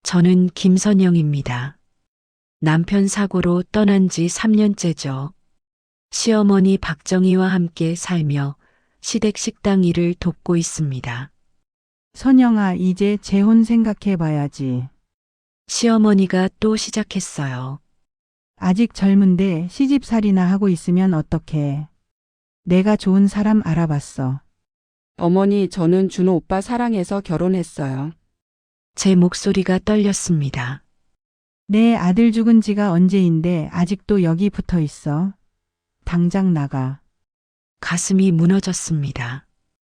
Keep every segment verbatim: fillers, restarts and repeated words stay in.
저는 김선영입니다. 남편 사고로 떠난 지 삼 년째죠. 시어머니 박정희와 함께 살며 시댁 식당 일을 돕고 있습니다. 선영아, 이제 재혼 생각해 봐야지. 시어머니가 또 시작했어요. 아직 젊은데 시집살이나 하고 있으면 어떡해. 내가 좋은 사람 알아봤어. 어머니, 저는 준호 오빠 사랑해서 결혼했어요. 제 목소리가 떨렸습니다. 내 아들 죽은 지가 언제인데 아직도 여기 붙어 있어. 당장 나가. 가슴이 무너졌습니다.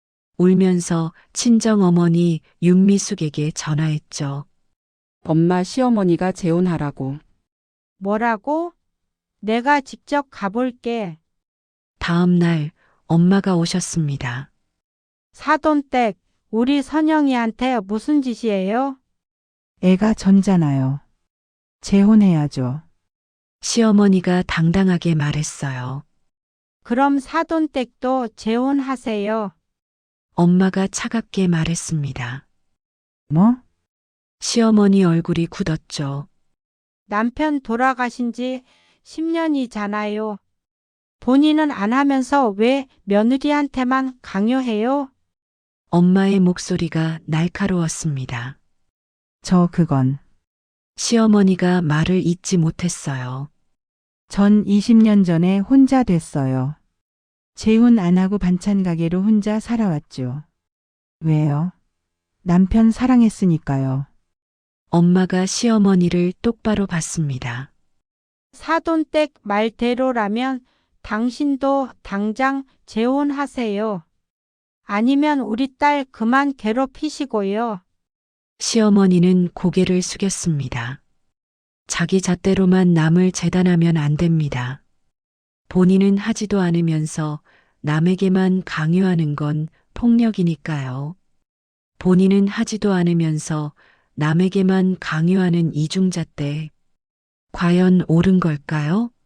울면서 친정어머니 윤미숙에게 전화했죠. 엄마, 시어머니가 재혼하라고. 뭐라고? 내가 직접 가볼게. 다음 날 엄마가 오셨습니다. 사돈댁, 우리 선영이한테 무슨 짓이에요? 애가 전잖아요. 재혼해야죠. 시어머니가 당당하게 말했어요. 그럼 사돈댁도 재혼하세요. 엄마가 차갑게 말했습니다. 뭐? 시어머니 얼굴이 굳었죠. 남편 돌아가신 지 십 년이잖아요. 본인은 안 하면서 왜 며느리한테만 강요해요? 엄마의 목소리가 날카로웠습니다. 저 그건. 시어머니가 말을 잇지 못했어요. 전 이십 년 전에 혼자 됐어요. 재혼 안 하고 반찬 가게로 혼자 살아왔죠. 왜요? 남편 사랑했으니까요. 엄마가 시어머니를 똑바로 봤습니다. 사돈댁 말대로라면 당신도 당장 재혼하세요. 아니면 우리 딸 그만 괴롭히시고요. 시어머니는 고개를 숙였습니다. 자기 잣대로만 남을 재단하면 안 됩니다. 본인은 하지도 않으면서 남에게만 강요하는 건 폭력이니까요. 본인은 하지도 않으면서 남에게만 강요하는 이중잣대. 과연 옳은 걸까요?